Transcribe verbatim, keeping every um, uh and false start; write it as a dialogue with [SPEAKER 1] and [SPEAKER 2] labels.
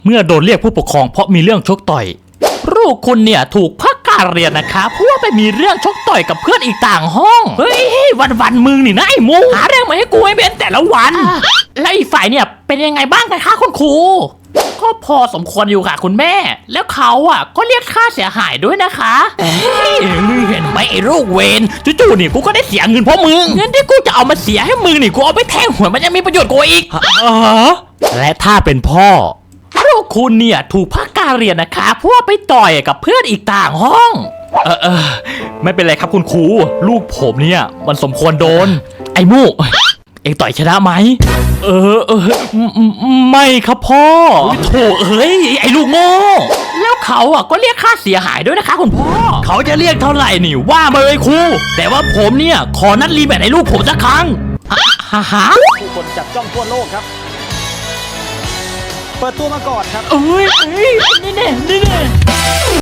[SPEAKER 1] เมื่อโดนเรียกผู้ปกครองเพราะมีเรื่องชกต่อยลูกคุณเนี่ยถูกพักการเรียนนะคะเพราะว่าไปมีเรื่องชกต่อยกับเพื่อนอีกต่างห้องเฮ้ยวันวันๆมึงนี่นะไอ้มูหาเรื่องมาให้กูให้เป็นแต่ละวันแล้วอีกฝ่ายเนี่ยเป็นยังไงบ้างกันคะคุณครูก็พอสมควรอยู่ค่ะคุณแม่แล้วเขาอ่ะก็เรียกค่าเสียหายด้วยนะคะเอ้ยมึงเห็นไหมไอ้ลูกเวนจู่ๆนี่กูก็ได้เสียเงินเพราะมึงเงินที่กูจะเอามาเสียให้มึงนี่กูเอาไปแทงหวยมันยังมีประโยชน์กว่าอีกและถ้าเป็นพ่อลูกคุณเนี่ยถูกพักการเรียนนะคะเพราะว่าไปต่อยกับเพื่อนอีกต่างห้องเออเออไม่เป็นไรครับคุณครูลูกผมเนี่ยมันสมควรโดนไอ้มูเอ็งต่อยชนะไหมเออเออไม่ครับพ่อโถเอ้ยไอ้ลูกโง่แล้วเขาอ่ะก็เรียกค่าเสียหายด้วยนะคะคุณพ่อเขาจะเรียกเท่าไหร่นี่ว่ามาเลยครูแต่ว่าผมเนี่ยขอนัดรีแมตช์ให้ลูกผมสักครั้งฮ่าฮ่า
[SPEAKER 2] ผู้คนจับจ้องทั่วโลกครับเปิดตัวมาก่อนครับ
[SPEAKER 1] เอ้ยเอ้ยนี่แน่นี่แน่